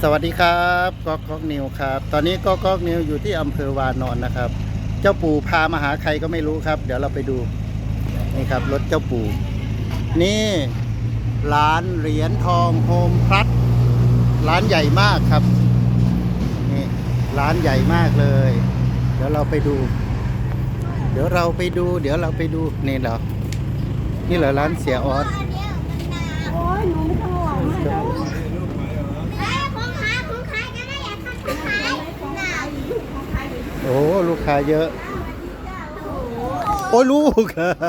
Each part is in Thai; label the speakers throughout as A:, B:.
A: สวัสดีครับก๊อกนิวครับตอนนี้ก๊อกนิวอยู่ที่อำเภอวานอนนะครับเจ้าปู่พามาหาใครก็ไม่รู้ครับเดี๋ยวเราไปดูนี่ครับรถเจ้าปู่นี่ร้านเหรียญทองโฮมพลัสร้านใหญ่มากครับนี่ร้านใหญ่มากเลยเดี๋ยวเราไปดูนี่เหรอนี่เหรอร้านเสียออส
B: โอ้ยหนูไม่ต้องห่วงมากของขายกันได้อยากทำของขาย
A: โอ้ลูกค้าเยอะโอ้ลูก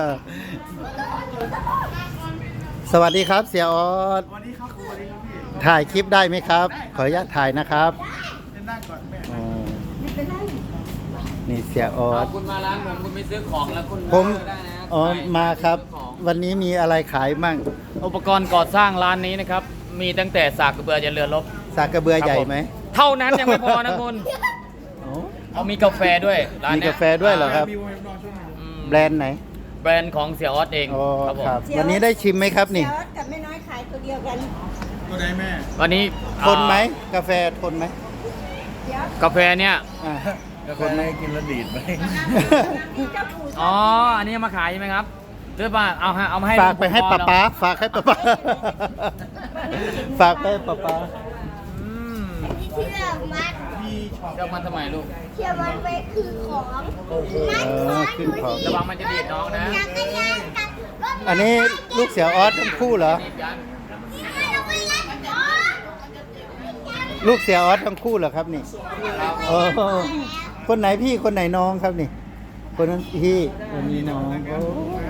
A: สวัสดีครับเสียออส
C: สวัสดีครับสวัสดีครับพี่
A: ถ่ายคลิปได้ไหมครับขออนุญาตถ่ายนะครับ
C: เล่นได้ก่อนแม่
A: อ๋อนี่เสียออส
D: คุณมาร้านผมคุณไม่ซื้อของแล้วคุณ
A: ผม
D: ได้นะ
A: อ๋อมาครับ
D: ซื้อของ
A: วันนี้มีอะไรขายมั่ง
D: อุปกรณ์ก่อสร้างร้านนี้นะครับ มีตั้งแต่สากกระเบือยันเรือรบ
A: สากกระเบือใหญ่ไหม
D: เท่านั้นยังไม่พอนะคุณ
A: โอ้
D: เอามีกาแฟด้วยร้าน
A: มี
D: เนี้ย
A: กาแฟด้วยเหรอครับ
C: มีวงนอนช่วงไหน
D: อืม
A: แบรนด์ไหน
D: แบรนด์ของเสียออสเอง
A: อ๋อ
D: ครับผม
A: ครับวันนี้ได้ชิมไหมครับนี่
B: เดี๋ยวกับแม่น้อยขายตัวเดียวกัน
C: ตัวใดแม่
D: วันนี้
A: ทนไหมกาแฟทนไหม
D: กาแฟเนี่ย
A: อ่า
C: คนไหนกินแล้วดีดไหม
B: เจ้าปู่
D: อ๋ออันนี้มาขายใช่ไหมครับหรือว่าเอามาให้
A: ฝากไปให้
D: ลุง
A: ป๊า
D: พอ
A: ป๊าฝากให้ป๊าป๊าฝากไปให้ป๊าป๊า
D: อืม
B: ที่เชื่อมัด
C: พี่ชอบ
D: เจ้ามันทำไมลูก
B: เชื่อมันไปคือของมัด
A: ขึ้นของ
D: ระวังมันจะดีดน้องนะ
B: จักรยานกับรถ
A: อันนี้ลูกเสียออสทั้งคู่เหรอ
D: ดีดยัน
B: ที่ให้เราไปเล่นอ๋อ
A: ลูกเสียออสทั้งคู่เหรอครับนี่โอ้คนไหนพี่คนไหนน้องครับนี่ คนนั้นพี่คนนี้น้องโอ้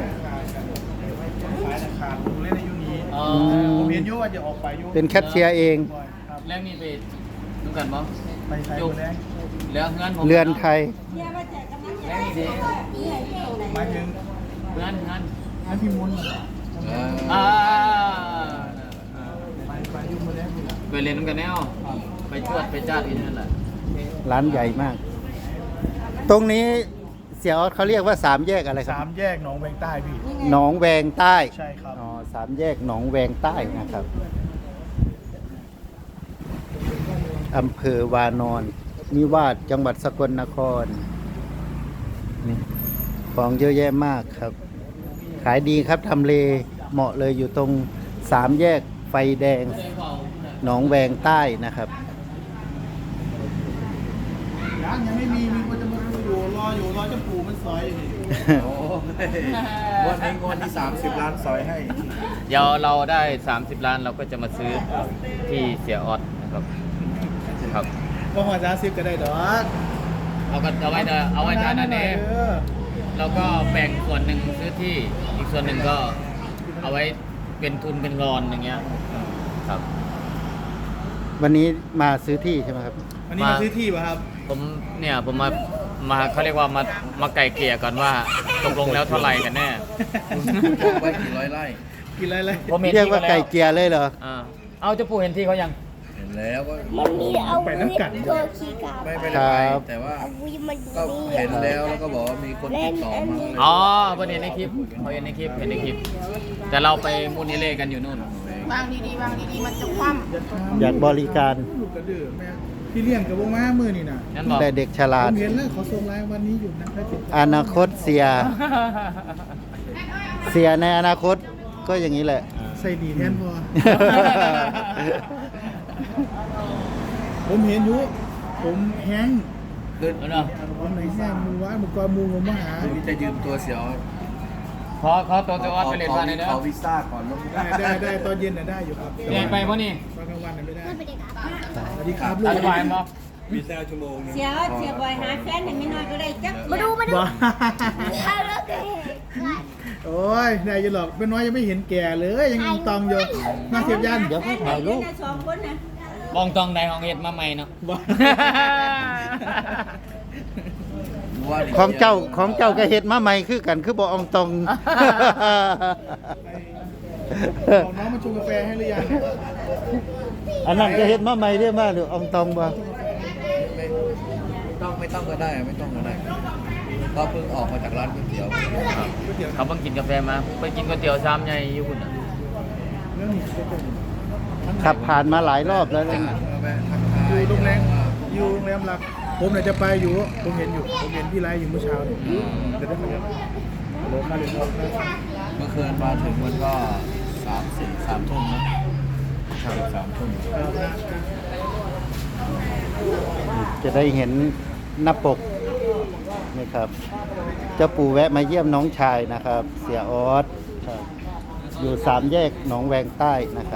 C: ขายราคาผมเล่นในยุคนี้
D: อ๋อ
C: ผมเห็นยุว่าจะออกไปยุ
A: เป็นแคชเชียร์เอง
C: ครับ
D: แล้วนี่ไปดูกันบ่
C: ไปใช้คนแรก
D: แล้วเงินผม
A: เรือนไทย
B: เชื่อว่าแจกกำลังใจ
D: แล้วนี่ดิ
B: นี่ไงที่ตรงไหน
C: หมายถึง
D: เงิน
C: ให้พี่มุน
D: อ่า
C: ไปยุคมาแล้วนี่แหละ
D: ไปเรียนกันแนวไปจวดไปจ้าที่นั่นแหละ
A: ร้านใหญ่มาก ตรงนี้เสียออสเขาเรียกว่าสามแยกอะไรครั
C: สา
A: บ
C: มแยกหนองแวงใต้พี่
A: หนองแวงใต้
C: ใช่ครับ
A: อ๋อสามแยกหนองแวงใต้นะครับอำเภอวานอนนิวาสจังหวัดสกลนครนี่ของเยอะแยะมากครับ ขายดีครับทำเลเหมาะเลยอยู่ตรงสามแยกไฟแดงหนองแวงใต้นะครับ
C: ยังไม่มีคนจะมาอยู่รอเจ้าปู่มันซอยอยู่นี่วันนี้วันที่30 ล้านซอยให้
D: เดี๋ยวเราได้30 ล้านเราก็จะมาซื้อที่เสียออสนะครับครับ
C: ก็หัวจ้าซิบก็ได้ดอก
D: เอาก็เอาไว้ทานนั่นเองเราก็แบ่งส่วนหนึ่งซื้อที่อีกส่วนหนึ่งก็เอาไว้เป็นทุนเป็นรอนอย่างเงี้ยครับ
A: วันนี้มาซื้อที่ใช่ไหมครับ
C: วันนี้มาซื้อที่ป่ะครับ
D: ผมมาเขาเรียกว่ามาไก่เกลี่ยก่อนว่าตกลงแล้วเท่าไหร่กันแน่
E: ไว้กี่ร้อยไร่
C: กินอะไรเลย
D: ผมเห็น
A: เรียก
D: ที่
A: ว่า
D: เขา
A: ไก่
D: แล้ว
A: เกลียเลยเหรอ
D: เอาเจ้าปู่เห็นที่เขายัง
E: เห็นแล้วก็
B: มันมีเอาวิทย์ตัวขี่กาบ
E: ไม่
A: ครั
E: ได้
A: บ
E: ไปแต่ว่า
B: เอาวิทย์มันอยู่
E: ก็
B: นี่
E: เห็นแล้วแล้วก็บอกว่ามีคนติดต่อมาเลย
D: อ๋อประเด็นในคลิปเขาเห็นในคลิปแต่เราไปมูลนิเล่กันอยู่นู่น
B: วางดีๆวางดีๆมันจะคว่ำ
A: อยากบริการ
C: ลูกกระดือแม่พี่เลี้ยงกับวงม้ามือนี่นะ
D: นั่นบอก
A: แต่เด็กฉลา
C: ผ
A: ด
C: มเห็นแล้วขอส่งไลน์วันนี้อยู่นะได้ติดต่อ
A: อนาคตเสีย เสียในอนาคตก็อย่างนี้แหละ
C: ใส่ดีแทนพอ ผมเห็นอยู่ผมแห้ง
E: คือ
D: เอาเนาะ
C: ผมไหนแห้งมือวานมือกอมือผมมาหา
E: คืนนี้จะยืมตัวเสียว
D: ขอตัวเจ้าออสไปเรียนมาเลยนะ
E: ขอวีซ่าก่อนแล้ว
C: ได้ตอนเย็นน่ะได้อยู่ครับ
D: เรียนไปเพราะนี่
C: ตอนกลางวันน่ะไม่ได้
B: ไม่เป็นไรครับ
C: สวัสดีครับลู
D: อก ธิบายมั้ง
B: เสียบ่อยหาแฟนไม่น้อยก็ได้จักมาดู
C: ว้า
B: เอาแล้วก็เห็น
C: โอ้ยนายจะหลอกเป็นน้อยยังไม่เห็นแก่เลยยังตองอยู่มาเสียบยัน
A: เดี๋ยวให้ถ่ายรูป
B: สองคนนะ
D: บองตองใดของเห็ดมาใหม่เนาะ
C: ว้า
A: ของเจ้าก็เฮ็ดมาใหม่คือกันคือบ่อองตอง
C: บอกน้องมาชงกาแฟให้หรือยัง
A: อันนั้นก็เฮ็ดมาใหม่เรียกมาหรืออองตองบ่
E: ไม่ต้องก็ได้ไม่ต้องก็ได้ก็เพิ่งออกมาจากร้านก๋วยเตี๋ยว
D: เขาเพิ่งกินกาแฟมาไปกินก๋วยเตี๋ยวซ้ำใหญ่อยู่คุณน่ะ
C: เรื่องนี้จะเป็น
A: ขับผ่านมาหลายรอบแล้วนะ
E: แวะทัก
C: อยู่โรงแรมหลักผมเนี่ยจะไปอยู่ผมเห็นพี่ไลฟ์อยู่เมื่อเช้าเนี่ยจะได้มาเนี่ยโลค่าเรียนทองนะ
E: เมื่อคืนมาถึงมันก็3 ทุ่มนะ3 ทุ่ม
A: จะได้เห็นหน้าปกนี่ครับ เจ้าปู่แวะมาเยี่ยมน้องชายนะครับ เสียออสครับอยู่3 แยกหนองแวงใต้นะครับ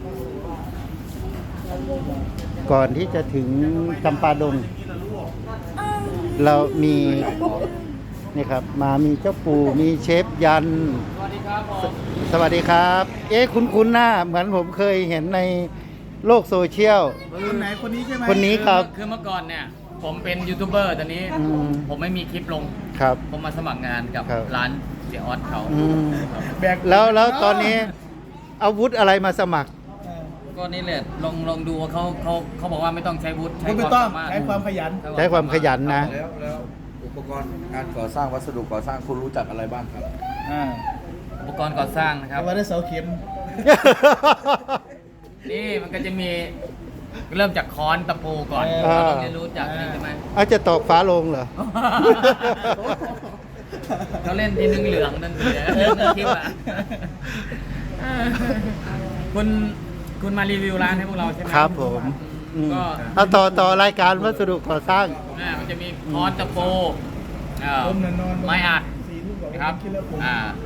A: ก่อนที่จะถึงจำปาดง เรามีนี่ครับมามีเจ้าปู่มีเชฟยัน
D: สวัสดีครับผม
A: สวัสดีครับ คุ้นๆหน้าเหมือนผมเคยเห็นในโลกโซเชียล
C: คนไหนคนนี้ใช่ไหม
A: คนนี้ครับ
D: คือเมื่อก่อนเนี่ย ผมเป็นยูทูบเบอร์ตอนนี้
A: อืม
D: ผมไม่มีคลิปลง
A: ครับ
D: ผมมาสมัครงานกับ
A: ครับ
D: ร้านเสียออสเขา
A: อืม
C: แบก
A: แล้วตอนนี้อาวุธอะไรมาสมัคร
D: ก็นี่แหละลองดูว่าเขาบอกว่าไม่ต้องใช้วุฒิใช้
C: คุณ
D: ค
C: ไม่
D: วาม
C: ต้อง
D: สามารถ
C: ใช้ความขยัน
A: ใช้ความขยันนะ
E: แล้วอุปกรณ์การก่อสร้างวัสดุก่อสร้างคุณรู้จักอะไรบ้างครับ
D: อุปกรณ์ก่อสร้างนะครับ
C: แต่ว่าได้เสาเข็ม
D: นี่มันก็จะมีเริ่มจากค้อนตะปูก่อน
A: อ่า
D: เราต้องเรียนรู้จากนี่ใช่ไหม
A: อาจจะตอกฟ้าโลงเหรอ
D: เขาเล่นทีนึงเหลืองนั่นเลยเล่นคลิปอ่ะคุณมารีวิวร้านให้พวกเราใช่ไหม
A: ครับผมอืม
D: ก็
A: เอาต่อรายการวัสดุก่อสร้าง
D: มันจะมีค้อนตะปู
C: ผมนอน
D: ไม้อัด
C: 4 ทุ่มกว่า
D: นะครับ
C: คิดแล้วผม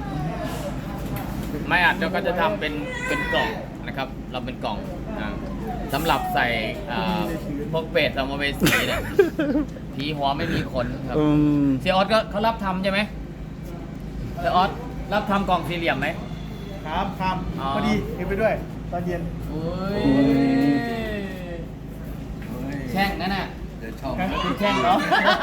D: ไม้อัดเราก็จะทำเป็นกล่องนะครับ เราเป็นกล่องสำหรับใส่พวกเป็ดสัมภเวสีเนี่ยผีหัวไม่มีขนครับ
A: อืม
D: เสียออสก็เขารับทำใช่ไหมเสียออสรับทำกล่องสี่เหลี่ยมไหม
C: ครับ
D: อ๋อ
C: พอดีเห็นไปด้วย ตอนเย็น
D: โอ้ยแช่งนั่นน่ะ
E: เดี๋ยวชอบ
D: คุณแช่งเนาะ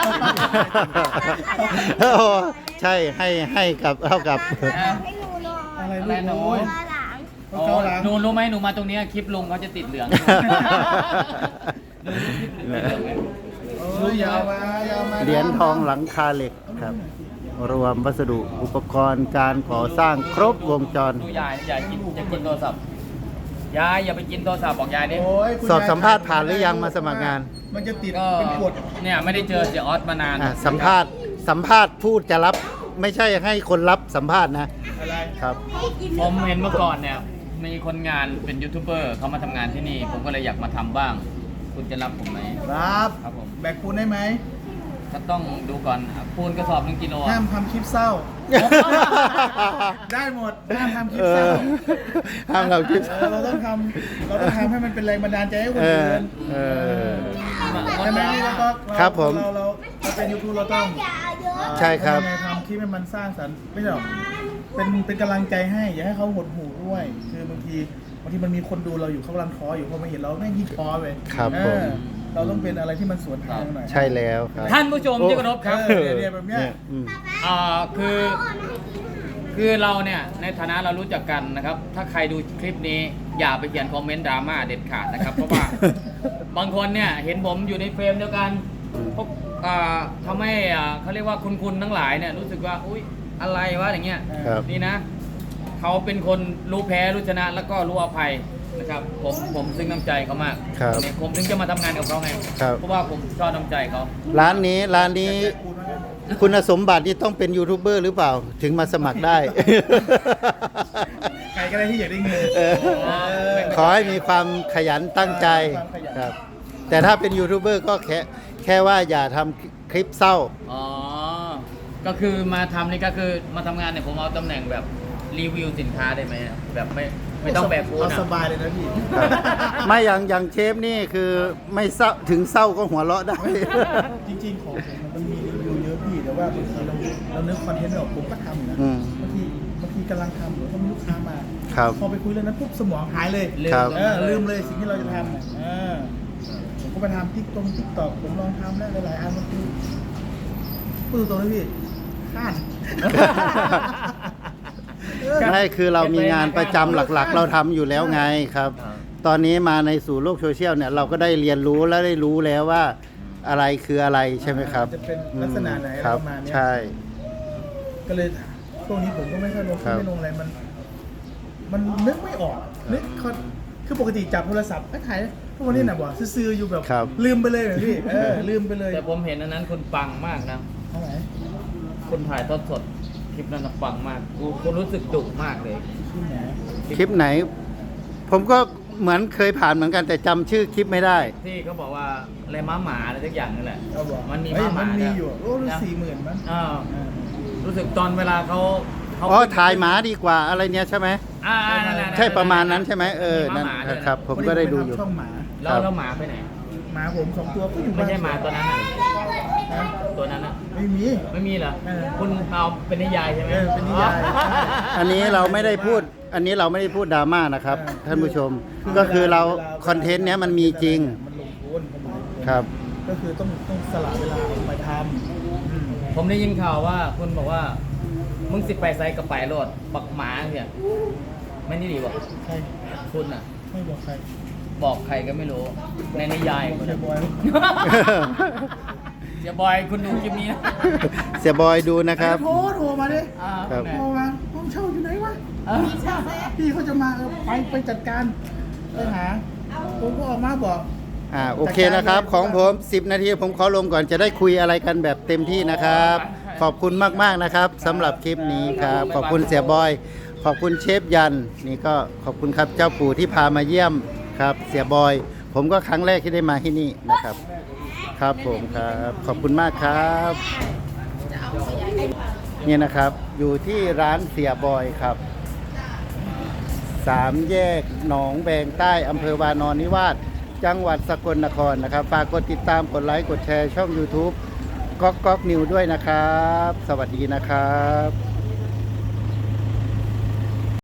A: โอ้ใช่ให้กับเท่ากับ
B: ให้หนูหน่อย
C: อะไร
D: อะไรหนู
C: ลูกโอ้ย
B: มาหลัง
C: เอาเกาหลัง
D: หนูรู้ไหมหนูมาตรงเนี้ยคลิปลุงเขาจะติดเหลืองหนูรู้คลิปเหลืองไหม
C: โอ้ยยาวมา
A: เหรียญทองหลังคาเหล็กครับ รวมวัสดุอุปกรณ์การก่อสร้างครบวงจร
D: ดูยายยายกินจะกินโทรศัพท์ยายอย่าไปกินโทรศัพท์บอกยายดิ
C: โอ้ยคุณ
A: สอบสัมภาษณ์ผ่านหรือยังมาสมัครงาน
C: มันจะติด
D: ก็
C: เป็นกฎ
D: เนี่ยไม่ได้เจอเสียออสมานาน
A: สัมภาษณ์พูดจะรับไม่ใช่ให้คนรับสัมภาษณ์นะ
C: อะไร
A: ครับ
D: ผมเห็นเมื่อก่อนเนี่ยมีคนงานเป็นยูทูบเบอร์เขามาทำงานที่นี่ ผมก็เลยอยากมาทำบ้าง คุณจะรับผมไหม
C: รับ
D: ครับผม
C: แบกปูนได้ไหม
D: ก็ต้องดูก่อนปูนกระสอบ1 กิโล
C: ห้ามทำคลิปเศร้า ได้หมดห้ามทำคลิปเศร้า
A: ห้ามเราคิด
C: เราต้องทำให้มันเป็นแรงบันดาลใจให้คนอื่น
A: เออ
C: ใช่ไหมพี่แล้วก็
A: ครับผม
C: เราเป็นยูทูบเราต้อง
B: อย่าเยอะ
A: ใช่ครับ
C: ทำยังไงทำคลิปให้มันสร้างสรรค์ไม่ใช่หรอกเป็นกำลังใจให้อย่าให้เขาหดหู่ด้วย คือบางทีมันมีคนดูเราอยู่เขากำลังท้ออยู่พอมาเห็นเราแม่งยิ่งท้อไป
A: ครับผม
C: เราต้องเป็นอะไรที่มันสวนทางหน่อย
A: ใช่แล้วครับ
D: ท่านผู้ชมที่เคารพครับ
C: เนี่ยแบบเนี้ย
A: อืม
D: คือเราเนี่ยในฐานะเรารู้จักกันนะครับ ถ้าใครดูคลิปนี้อย่าไปเขียนคอมเมนต์ดราม่าเด็ดขาดนะครับ เพราะว่า บางคนเนี่ยเห็นผมอยู่ในเฟรมเดียวกันพวกทำให้เขาเรียกว่าคุณทั้งหลายเนี่ยรู้สึกว่าอุ๊ยอะไรวะอย่างเงี้ย
A: ครับ
D: นี่นะเขาเป็นคนรู้แพ้รู้ชนะแล้วก็รู้อภัยนะครับผมซึ้งน้ำใจเขามาก
A: ครับ
D: ผมถึงจะมาทำงานกับเขาไง
A: ครับ
D: เพราะว่าผมชอบน้ำใจเขา
A: ร้านนี้คุณสมบัติที่ต้องเป็นยูทูบเบอร์หรือเปล่า ถึงมาสมัครได้
C: ใครก็ได้ที่อยากได้เงิน
A: เออขอให้มีความขยันตั้งใจ
C: ความขยัน
A: ครับ แต่ถ้าเป็นยูทูบเบอร์ก็แค่ว่าอย่าทำคลิปเศร้า
D: อ๋อ ก็คือมาทำนี่ก็คือมาทำงานเนี่ยผมเอาตำแหน่งแบบรีวิวสินค้าได้ไหมแบบไม่ต้องแบกฟูด
C: เอา
D: นะ
C: สบายเลยนะพี่
A: ไม่อย่างเชฟนี่คือไม่เศร้าถึงเศร้าก็หัวเราะได้
C: จริงๆของผมมันมีรีวิวเยอะพี่แต่ว่าบางทีเรานึกคอนเทนต์ไม่ออกผมก็ทำนะ
A: อืม
C: บางทีกำลังทำหรือเขามีลูกค้ามา
A: ครับ
C: พอไปคุยเรื่องนั้นปุ๊บสมองหายเลย
A: ครับ
C: ลืมเลยสิ่งที่เราจะทำผมก็ไปทำติ๊กตอกผมลองทำแล้วหลายๆอันมันคือพูดตรงๆเลยพี่ข้าน
A: ไม่คือเรามีงานประจำหลักๆ เราทำอยู่แล้วไงครับ ตอนนี้มาในสู่โลกโซเชียลเนี่ยเราก็ได้เรียนรู้และได้รู้แล้วว่าอะไรคืออะไรใช่ไหมครับ
C: จะเป็นลักษณะไหน
A: ครับ
C: ประมาณเนี้ย
A: ใช่
C: ก็เลยช่วงนี้ผมก็ไม่ค่อยลง
A: ครับ
C: ไม่ลงอะไรมันนึกไม่ออกนึกคือปกติจับโทรศัพท์ถ่ายทุกวันนี้น่ะบอกซื้อๆอยู่แบบ
A: ครับ
C: ลืมไปเลยเหรอพี่ลืมไปเลย
D: แต่ผมเห็นอันนั้นคุณปังมากนะ
C: เท่าไหร่
D: คุณถ่ายทอดสดคลิปนั้นนะปังมากคุณรู้สึกดุมากเลย
C: ที่ไหน
A: คลิปไหน ผมก็เหมือนเคยผ่านเหมือนกันแต่จำชื่อคลิปไม่ได้
D: ที่เขาบอกว่าอะไรม้าหมาอะไรสักอย่างนั่นแหละ
C: เขาบอก
D: มันมี
C: เฮ้ย
D: ม้าหมา
C: มันมี
D: เนี่ย
C: อยู่โอ้รู้40,000มั้ง
D: อ่ารู้สึกตอนเวลาเขา
A: อ๋อถ่ายหมาดีกว่าอะไรเนี้ยใช่ไหม
D: นั่นๆๆ
A: ใช่ประมาณนั้นใช่ไหมนั่น
D: มีม้าหมาด้วยนะ
A: ครับ ผมก็ได้ดูอยู่
C: พช่องหมา
D: แล้วหมาไปไหน
C: หมาผม2ตัวก็อยู่
D: ไม่
C: บ้าน
D: ใช่หมาตัวนั้นน่ะ
C: นะ
D: ตัวนั้นน่ะ
C: ไม่มี
D: ไม่มีเหรอ
C: เออ
D: คุณเอาเป็นนิยายใช่ไหม
C: เป็นนิยาย
A: อันนี้เราไม่ได้พูดดราม่านะครับ ท่านผู้ชม ก็คือเราคอนเทนต์เนี้ยมันมีจริง
C: มันลงทุนเขาหมายถึง
A: ครับ
C: ก็คือต้องสละเวลาออกไปทำ
D: ผมได้ยินข่าวว่าคุณบอกว่า มึงสิไปไซกับไปโลดปักหมาเนี่ยไม่นี่ดีบอก
C: ใคร
D: คุณอ่ะ
C: ไม่บอกใคร
D: บอกใครก็ไม่รู้ ในนิยายคุณ
C: เชีย
D: อะ
C: ร์บอย
D: เสียบอยคุณดูคลิปนี้นะ
A: เสียบอยดูนะครับ
C: โทรมาดิ
A: ครับ
C: โทรมาห้องเช่าอยู่ไหนวะ
D: เออ
C: พี่เขาจะมาไปจัดการไปหาผมก็ออกมาบอก
A: โอเคนะครับ ของผม10 นาทีผมขอลงก่อนจะได้คุยอะไรกันแบบเต็มที่นะครับ ขอบคุณมากๆนะครับสำหรับคลิปนี้ครับ ขอบคุณเสียบอย ขอบคุณเชฟยันนี่ก็ขอบคุณครับเจ้าปู่ที่พามาเยี่ยมครับ เสียบอย ผมก็ครั้งแรกที่ได้มาที่นี่นะครับ ครับผมครับขอบคุณมากครับนี่นะครับอยู่ที่ร้านเสียบอยครับ3 แยกหนองแบงใต้อำเภอวานอนนิวาสจังหวัดสกลนครนะครับฝากกดติดตามกดไลค์กดแชร์ช่อง YouTube ก๊อกนิวด้วยนะครับ สวัสดีนะครับ